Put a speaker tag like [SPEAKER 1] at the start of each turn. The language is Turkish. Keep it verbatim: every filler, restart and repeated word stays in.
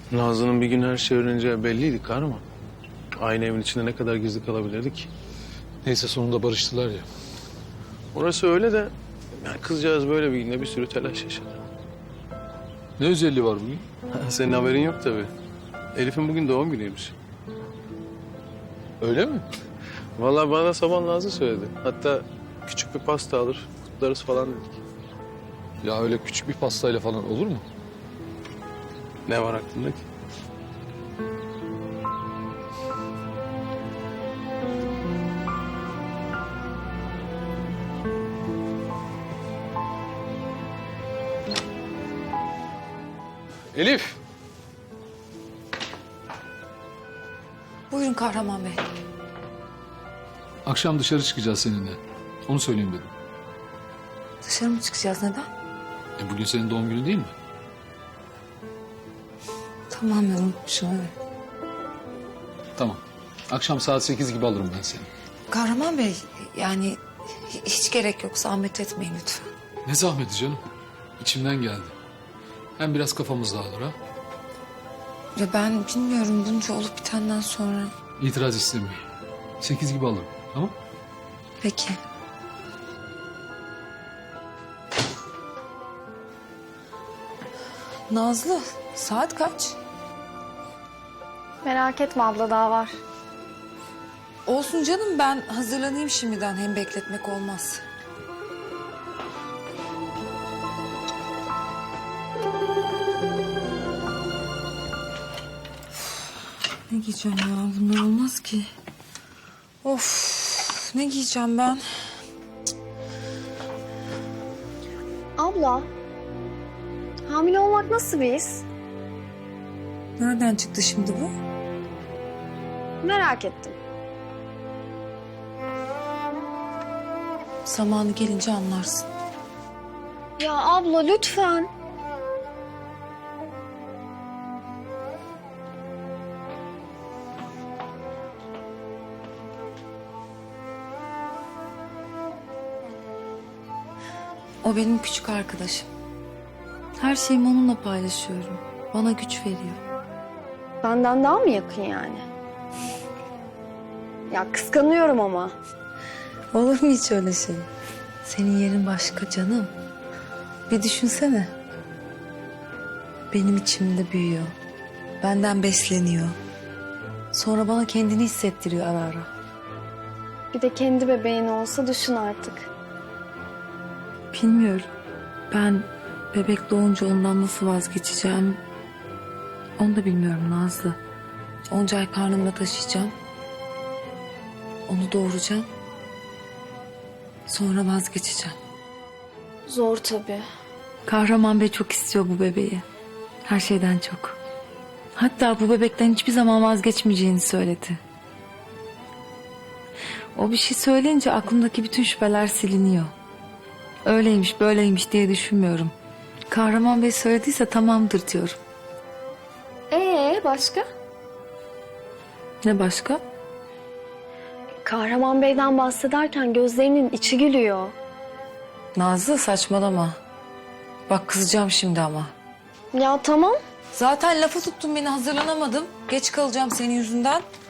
[SPEAKER 1] Nazlı'nın bir gün her şey öğreneceği belliydi kahraman. Aynı evin içinde ne kadar gizli kalabilirdik?
[SPEAKER 2] Neyse sonunda barıştılar ya.
[SPEAKER 1] Orası öyle de yani kızcağız böyle bir günde bir sürü telaş yaşadı.
[SPEAKER 2] Ne özelliği var bugün?
[SPEAKER 1] Senin haberin yok tabii. Elif'in bugün doğum günüymüş.
[SPEAKER 2] Öyle mi?
[SPEAKER 1] Vallahi bana sabah Nazlı söyledi. Hatta küçük bir pasta alır, kutlarız falan dedik.
[SPEAKER 2] Ya öyle küçük bir pastayla falan olur mu?
[SPEAKER 1] Ne var aklında ki?
[SPEAKER 2] Elif!
[SPEAKER 3] Buyurun Kahraman Bey.
[SPEAKER 2] Akşam dışarı çıkacağız seninle. Onu söyleyeyim dedim.
[SPEAKER 3] Dışarı mı çıkacağız, neden?
[SPEAKER 2] E bugün senin doğum günün değil mi?
[SPEAKER 3] Tamamen unutmuşum, evet.
[SPEAKER 2] Tamam. Akşam saat sekiz gibi alırım ben seni.
[SPEAKER 3] Kahraman Bey, yani hi- hiç gerek yok, zahmet etmeyin lütfen.
[SPEAKER 2] Ne zahmeti canım. İçimden geldi. Hem biraz kafamız dağılır ha.
[SPEAKER 3] Ya ben bilmiyorum, bunca olup bitenden sonra.
[SPEAKER 2] İtiraz istemiyorum. Sekiz gibi alırım. Tamam?
[SPEAKER 3] Peki. Nazlı, saat kaç?
[SPEAKER 4] Merak etme abla, daha var.
[SPEAKER 3] Olsun canım, ben hazırlanayım şimdiden, hem bekletmek olmaz. Ne giyeceğim ya? Bunlar olmaz ki. Of, ne giyeceğim ben?
[SPEAKER 4] Abla, hamile olmak nasıl bir his?
[SPEAKER 3] Nereden çıktı şimdi bu?
[SPEAKER 4] Merak ettim.
[SPEAKER 3] Zamanı gelince anlarsın.
[SPEAKER 4] Ya abla lütfen.
[SPEAKER 3] O benim küçük arkadaşım. Her şeyimi onunla paylaşıyorum. Bana güç veriyor.
[SPEAKER 4] Benden daha mı yakın yani? Ya kıskanıyorum ama.
[SPEAKER 3] Olur mu hiç öyle şey? Senin yerin başka canım. Bir düşünsene. Benim içimde büyüyor. Benden besleniyor. Sonra bana kendini hissettiriyor ara ara.
[SPEAKER 4] Bir de kendi bebeğin olsa düşün artık.
[SPEAKER 3] Bilmiyorum. Ben bebek doğunca ondan nasıl vazgeçeceğim... onu da bilmiyorum Nazlı. Onca ay karnımda taşıyacağım. Onu doğuracağım. Sonra vazgeçeceğim.
[SPEAKER 4] Zor tabii.
[SPEAKER 3] Kahraman Bey çok istiyor bu bebeği. Her şeyden çok. Hatta bu bebekten hiçbir zaman vazgeçmeyeceğini söyledi. O bir şey söyleyince aklımdaki bütün şüpheler siliniyor. Öyleymiş böyleymiş diye düşünmüyorum. Kahraman Bey söylediyse tamamdır diyorum.
[SPEAKER 4] Ee başka?
[SPEAKER 3] Ne başka?
[SPEAKER 4] Kahraman Bey'den bahsederken gözlerinin içi gülüyor.
[SPEAKER 3] Nazlı saçmalama. Bak kızacağım şimdi ama.
[SPEAKER 4] Ya tamam.
[SPEAKER 3] Zaten lafa tuttun beni, hazırlanamadım. Geç kalacağım senin yüzünden.